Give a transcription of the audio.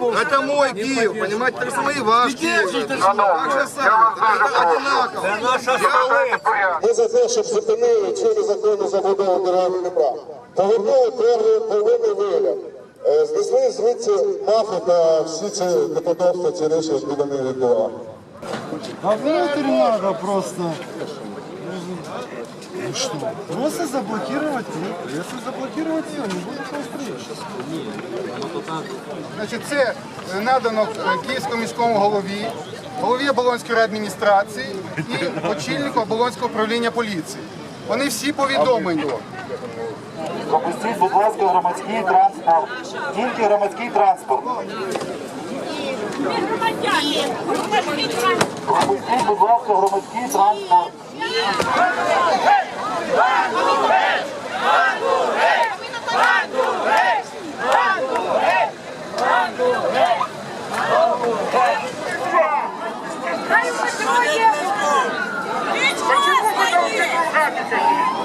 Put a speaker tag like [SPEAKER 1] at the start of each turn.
[SPEAKER 1] Это мой Киев, понимаете, так само и ваш Киев. Так же самое, это одинаково.
[SPEAKER 2] Ми за те, щоб зупинили цю незаконну забудову дороги Дніпра. Повернули первинний вигляд. Знесли звідси мафи та всі ці неподобства, ці речі, які вони відбували.
[SPEAKER 3] А внутрь надо просто. Ну что? Просто заблокировать ее. Если заблокировать ее, не будет строить.
[SPEAKER 1] Значить, це надано Київському міському голові Оболонської райадміністрації і очільнику Оболонського управління поліції. Вони всі повідомлені.
[SPEAKER 2] Пропустіть, будь ласка, громадський транспорт. Тільки громадський транспорт. Пропустіть, будь ласка, громадський транспорт.
[SPEAKER 4] Почему вы должны слушать?